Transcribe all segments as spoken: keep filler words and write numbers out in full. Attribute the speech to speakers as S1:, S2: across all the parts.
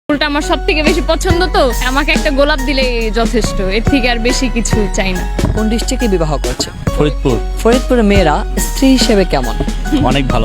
S1: ফুলটা আমার সব থেকে বেশি পছন্দ, তো আমাকে একটা গোলাপ দিলেই যথেষ্ট, এর থেকে আর বেশি কিছু চাই না।
S2: কোন ডিস্ট্রিক্টে বিবাহ করছেন?
S3: ফরিদপুর।
S2: ফরিদপুরের মেয়েরা স্ত্রী হিসেবে কেমন?
S3: অনেক ভালো।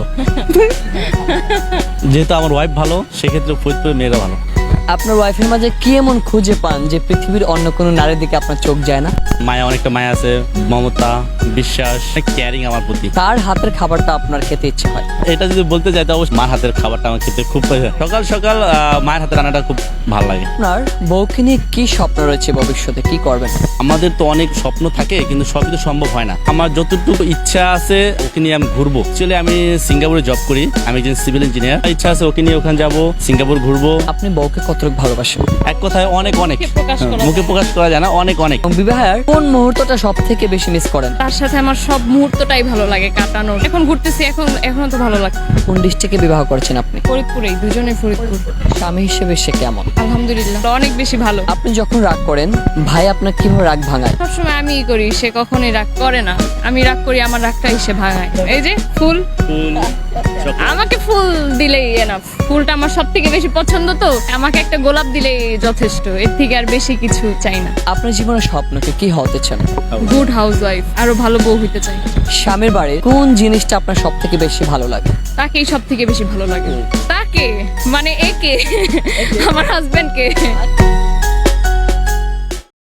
S3: যেহেতু আমার ওয়াইফ ভালো, সেক্ষেত্রে ফরিদপুরের মেয়েরা ভালো।
S2: আপনার ওয়াইফের মাঝে কি এমন খুঁজে পান যে পৃথিবীর অন্য কোনো নারীর দিকে আপনার চোখ যায় না?
S3: মায়া, অনেকটা মায়া আছে, মমতা, বিশ্বাস, কেয়ারিং আমার প্রতি।
S2: তার হাতের খাবারটা আপনার খেতে ইচ্ছে হয়?
S3: এটা যদি বলতে চাই, তো অবশ্যই মার হাতের খাবারটা আমার খেতে খুব পছন্দ। সকাল সকাল আহ, মায়ের হাতের রান্নাটা খুব ভালো লাগে।
S2: আপনার বউকে নিয়ে কি স্বপ্ন রয়েছে, ভবিষ্যতে কি করবেন?
S3: আমাদের তো অনেক স্বপ্ন থাকে, কিন্তু সবই তো সম্ভব হয় না। আমার যতটুকু ইচ্ছা আছে ওকে নিয়ে আমি ঘুরবো। অ্যাকচুয়ালি আমি সিঙ্গাপুরে জব করি, আমি একজন সিভিল ইঞ্জিনিয়ার। ইচ্ছা আছে ওকে নিয়ে ওখানে যাবো, সিঙ্গাপুর ঘুরবো।
S2: আপনি বউকে কতটুকু ভালোবাসেন?
S3: এক কথায় অনেক অনেক,
S1: মুখে প্রকাশ করা
S3: মুখে
S1: যায়।
S3: প্রকাশ করা যায় না, অনেক অনেক।
S2: এবং বিবাহের কোন মুহূর্তটা সব থেকে বেশি মিস করেন?
S1: তার সাথে আমার সব মুহূর্তটাই ভালো লাগে কাটানো। এখন ঘুরতেছি, এখন এখনো তো ভালো লাগে।
S2: কোন ডিস্ট্রিক্টে বিবাহ করেছেন আপনি?
S1: ফরিদপুরেই, দুজনে ফরিদপুর।
S2: স্বামী হিসেবে সে কেমন?
S1: আলহামদুলিল্লাহ অনেক বেশি ভালো।
S2: আপনি যখন রাগ করেন, ভাই আপনার কিভাবে রাগ ভাঙায়?
S1: সবসময় আমিই করি, সে কখনোই রাগ করে না। আমি রাগ করি, আমার রাগটাই সে ভাঙায়। এই যে ফুল, আমাকে ফুল দিলেই এনাফ। ফুলটা আমার সব থেকে বেশি পছন্দ, তো আমাকে একটা গোলাপ দিলেই যথেষ্ট, এর থেকে আর বেশি কিছু চাই না।
S2: আপনার জীবনের স্বপ্নকে কি হতে চান?
S1: গুড হাউস ওয়াইফ, আরো ভালো বউ হইতে চাই।
S2: স্বামীর বাড়ির কোন জিনিসটা আপনার সব থেকে বেশি ভালো লাগে?
S1: তাকেই সব থেকে বেশি ভালো লাগে। তাকে মানে একে, আমার হাজবেন্ডকে।